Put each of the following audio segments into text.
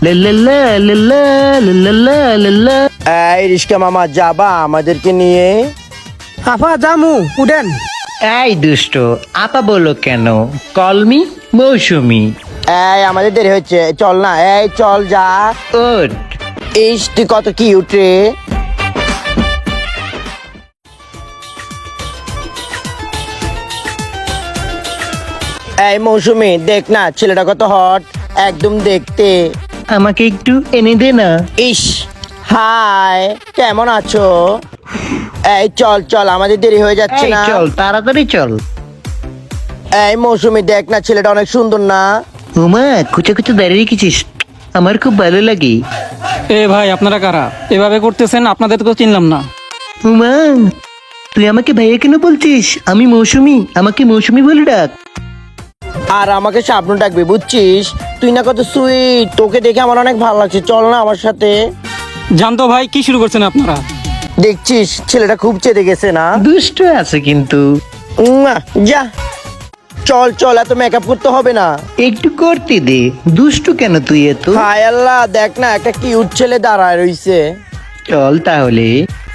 লাল্লাল্লা, লাল্লা, লাল্লাল্লা, লাল্লা। এই রিস্কা মামা, যাবা আমাদেরকে নিয়ে? আপা জামু উডেন। এই দুষ্ট আপা বলো কেন? কলমি মৌসুমি। এই আমাদের দেরি হচ্ছে, চল না। এই চল যা। ওঠ। ইস তুই কত কিউট রে। এই মৌসুমি, দেখ না ছেলেটা কত হট, একদম দেখতে। আমাকে একটু এনে দে না। ইস, হাই, কেমন আছো? এই চল চল, আমাদের দেরি হয়ে যাচ্ছে এই না? চল তাড়াতাড়ি চল। এই মৌসুমি, দেখ না ছেলেটা অনেক সুন্দর না? উমা কুচে কুচে দাঁড়িয়ে রেখেছিস, আমার খুব ভালো লাগে। এ ভাই আপনারা কারা? এভাবে করতেছেন, আপনাদের তো চিনলাম না। উমা তুই আমাকে ভাইয়া কেন বলছিস? আমি মৌসুমি, আমাকে মৌসুমি বলে ডাক। আর আমাকে শাবনু ডাকবি, বুঝছিস? তুই না কত সুইট, তোকে দেখে আমার অনেক ভালো লাগছে, চল না আমার সাথে। জানতো ভাই, কি শুরু করছেন আপনারা? দেখছিস ছেলেটা খুব চেতে গেছে না? দুষ্ট আছে কিন্তু। উম্মা, যা চল চল, এত মেকআপ করতে হবে না। একটু করতে দে, দুষ্টু কেন তুই এত? হায় আল্লাহ, দেখ না একটা কিউট ছেলে দাঁড়ায় রইছে। চল তাহলে।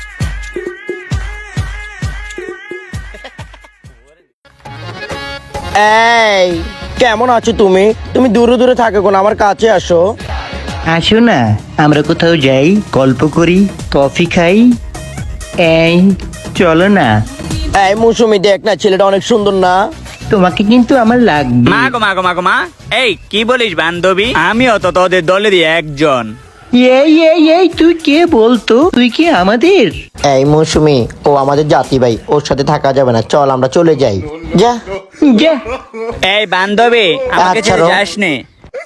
এই কেমন আছো তুমি? তুমি দূরে দূরে থাকো কোন, আমার কাছে আসো। আসো না, আমরা কোথাও যাই, গল্প করি, কফি খাই। এই চলো না। এই মৌসুমি, দেখ না ছেলেটা অনেক সুন্দর না? তোমাকে কিন্তু আমার লাগবে। মা এই কি বলিস বান্ধবী? আমিও তো তোদের দলেরই একজন। এই তুই কে বলতো? তুই কি আমাদের? এই মৌসুমি, ও আমাদের জাতি ভাই, ওর সাথে থাকা যাবে না, চল আমরা চলে যাই। যা যা। এই বান্ধবী, আমাকে আচ্ছা, ছেড়ে রো। যাস নে।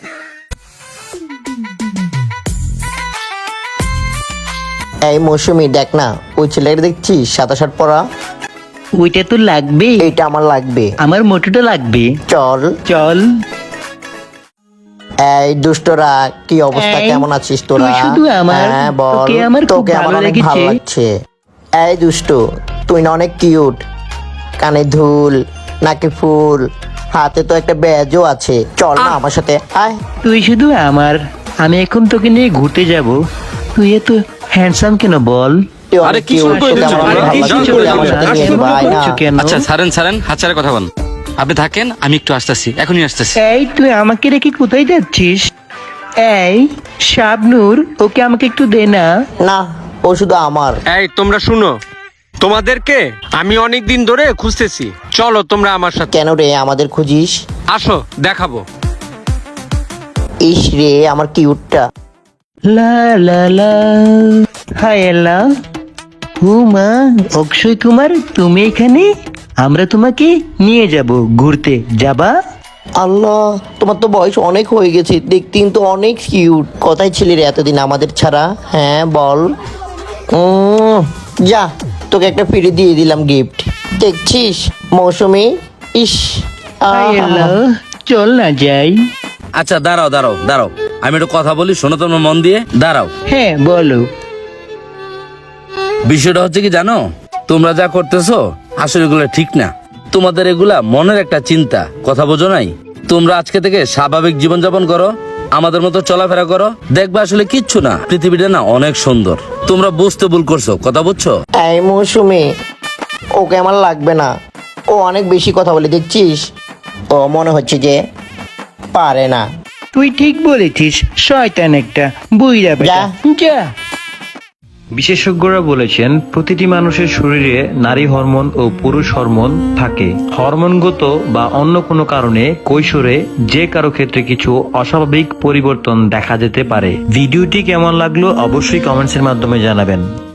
এই মৌসুমি, দেখ না ওই ছেলেটা দেখছিস সাদা শার্ট পরা? ওইটা তো লাগবে। এইটা আমার লাগবে। আমার মোটরটা লাগবে। চল। চল। এই দুষ্টরা, কি অবস্থা, এই, কেমন আছিস তোরা? তুই শুধু আমার, হ্যাঁ বল। তোকে আমার খুব তোকে আমার ভালো অনেক ভালো লেগেছে। লাগছে। এই দুষ্টু, তুই না অনেক কিউট, কানে দুল, নাকে ফুল, হাতে তো একটা ব্যাজও আছে, চল না আমার সাথে আয়। তুই শুধু আমার, আমি এখন তোকে নিয়ে ঘুরতে যাব। তুই এত হ্যান্ডসাম কেন বল? তুই আরে অনেক কি শুরু cute, করে তোকে আমার দিচ্ছ? অনেক আরে ভালো কি লাগছে, শুরু তুই করে আমার দিচ্ছ? সাথে নিয়ে এমন ভাই না। করছো কেন? আচ্ছা ছাড়েন হাত ছাড়া কথা বল। আপনি থাকেন, আমি একটু আসতেছি, এখনই আসতেছি। এই তুই আমাকে রেখে কোথায় যাচ্ছিস? এই শাবনূর, ওকে আমাকে একটু দে না। না, ও শুধু আমার। এই তোমরা শুনো, তোমাদেরকে আমি অনেক দিন ধরে খুঁজতেছি, চলো তোমরা আমার সাথে কেন রে আমাদের খুঁজিস? আসো, দেখাবো। ইস রে আমার কিউটটা। লা লা লা। হায় আল্লাহ। হুমা, অক্ষয় কুমার তুমি এখানে? আমরা তোমাকে নিয়ে যাব ঘুরতে, যাবা? আল্লাহ, তোমার তো বয়স অনেক হয়ে গেছে, দেখতে কিন্তু অনেক কিউট। কোথায় ছিলি রে এতদিন আমাদের ছাড়া? হ্যাঁ বল। যা, তোকে একটা ফিরে দিয়ে দিলাম গিফট, দেখছিস মৌসুমি? ইস, হায় আল্লাহ, চল না যাই। আচ্ছা দাঁড়াও, আমি একটু কথা বলি, শোনো তোমরা মন দিয়ে, দাঁড়াও। হ্যাঁ বলো। বিষয়টা হচ্ছে কি জানো, তোমরা যা করতেছো আসলে এগুলো ঠিক না। তোমাদের এগুলা মনের একটা চিন্তা, কথা বোঝো নাই? তোমরা আজকে থেকে স্বাভাবিক জীবনযাপন করো, আমাদের মতো চলাফেরা করো, দেখবে আসলে কিচ্ছু না, পৃথিবীটা না অনেক সুন্দর। তোমরা বুঝতে ভুল করছো, কথা বুঝছো? এই মৌসুমি, ওকে আমার লাগবে না, ও অনেক বেশি কথা বলে, দেখছিস? ও মনে হচ্ছে যে পারে না। তুই ঠিক বলেছিস, শয়তান একটা বুইড়া বেটা। যা। বিশেষজ্ঞরা বলেছেন প্রতিটি মানুষের শরীরে নারী হরমোন ও পুরুষ হরমোন থাকে। হরমোনগত বা অন্য কোনো কারণে কৈশোরে যে কারো ক্ষেত্রে কিছু অস্বাভাবিক পরিবর্তন দেখা যেতে পারে। ভিডিওটি কেমন লাগলো অবশ্যই কমেন্টসের মাধ্যমে জানাবেন।